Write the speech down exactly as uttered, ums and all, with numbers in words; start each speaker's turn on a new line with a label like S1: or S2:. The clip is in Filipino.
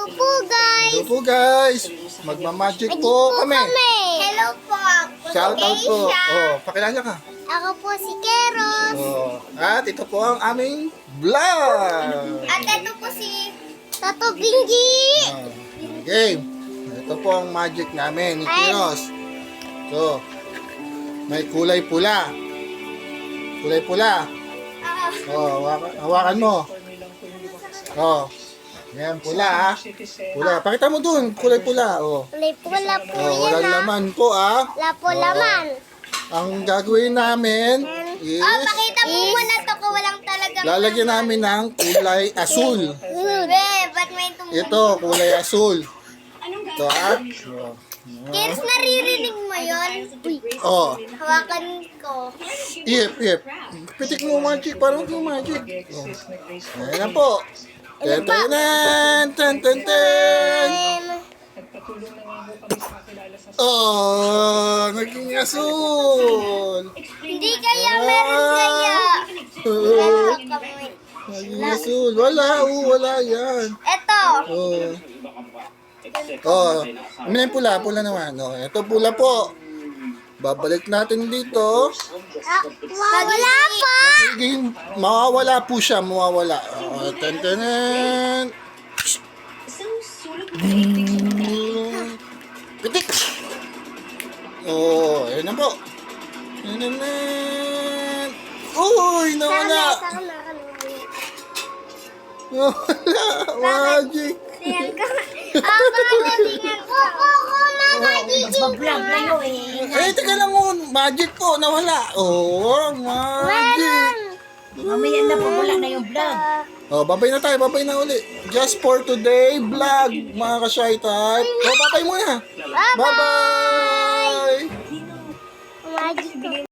S1: po guys.
S2: Hello po guys. Magmamagic po kami.
S1: Hello po.
S2: Shout out po. Oh, pakilala ka.
S1: Ako po si Keros.
S2: Oh, at ito po ang aming vlog.
S1: At ito po si Tato Bingi.
S2: Oh, game. Ito po ang magic namin ni Kiros. So, may kulay pula. Kulay pula.
S1: Ah,
S2: Oh, hawakan, hawakan mo. Oh. Yan, pula ah. Pula. Pakita mo dun, kulay pula. Oh.
S1: kulay pula po
S2: Oh,
S1: yan
S2: walang
S1: ah.
S2: laman po ah.
S1: Wala po
S2: Oh.
S1: laman.
S2: Ang gagawin namin is
S1: Oh, pakita mo muna to kung walang talagang
S2: lalagyan namin ng kulay asul.
S1: Be, ba't may tumutunog?
S2: Ito, kulay asul. Ito ah. Oh.
S1: Keros, naririnig mo yun? Uy,
S2: Oh.
S1: hawakan ko.
S2: Ip, ip. Pitik mo magic, parang yung magic. Oh. Ayan na po. Ten, ten, ten, ten, ten, ten. Oh, naging asul.
S1: Hindi kaya, meron kaya.
S2: Oh,
S1: Meron kami.
S2: naging asul. Wala, oh, wala yan.
S1: Eto.
S2: Oh. Oh, ano yung pula? Pula naman. Oh, ito pula po. Babalik natin dito.
S1: Ah, wala pa.
S2: Magiging, mawawala po siya, mawawala. Oh, ten, ten, ten. Pitik! Oh, ayun na po. Ten, ten, ten. Uy, nawala.
S1: Saka na, saka
S2: Nawala. Magic.
S1: Ayan ka. Ah, pagalingan ko. Oo, magiging
S3: Vlog kayo eh.
S2: Eh, teka lang mo. Magic po, nawala. Oh, magic.
S3: Mamaya na po wala na yung vlog.
S2: Oh, babay na tayo, babay na uli. Just for today vlog, mga ka-shy type. Oh, babay muna.
S1: Bye-bye.
S2: Bye-bye.
S1: Magic ko.